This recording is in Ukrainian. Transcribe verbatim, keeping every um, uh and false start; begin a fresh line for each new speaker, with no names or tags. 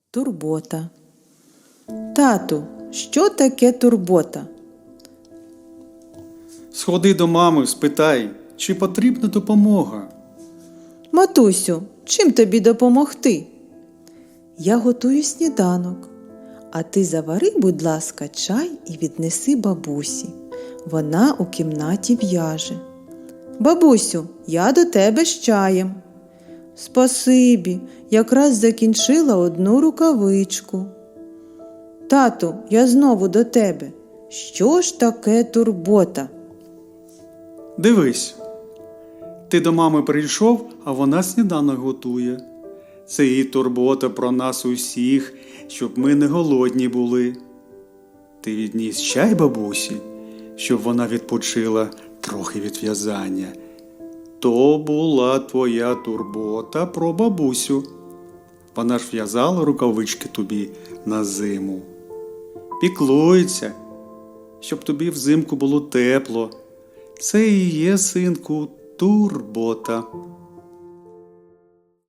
Турбота. Тату, що таке турбота?
Сходи до мами, спитай, чи потрібна допомога.
Матусю, чим тобі допомогти? Я готую сніданок, а ти завари, будь ласка, чай і віднеси бабусі. Вона у кімнаті в'яже. Бабусю, я до тебе з чаєм. Спасибі, якраз закінчила одну рукавичку. Тату, я знову до тебе. Що ж таке турбота?
Дивись, ти до мами прийшов, а вона сніданок готує. Це її турбота про нас усіх, щоб ми не голодні були. Ти відніс чай бабусі, щоб вона відпочила трохи від в'язання. То була твоя турбота про бабусю. Вона ж в'язала рукавички тобі на зиму. Піклується, щоб тобі взимку було тепло. Це і є, синку, турбота.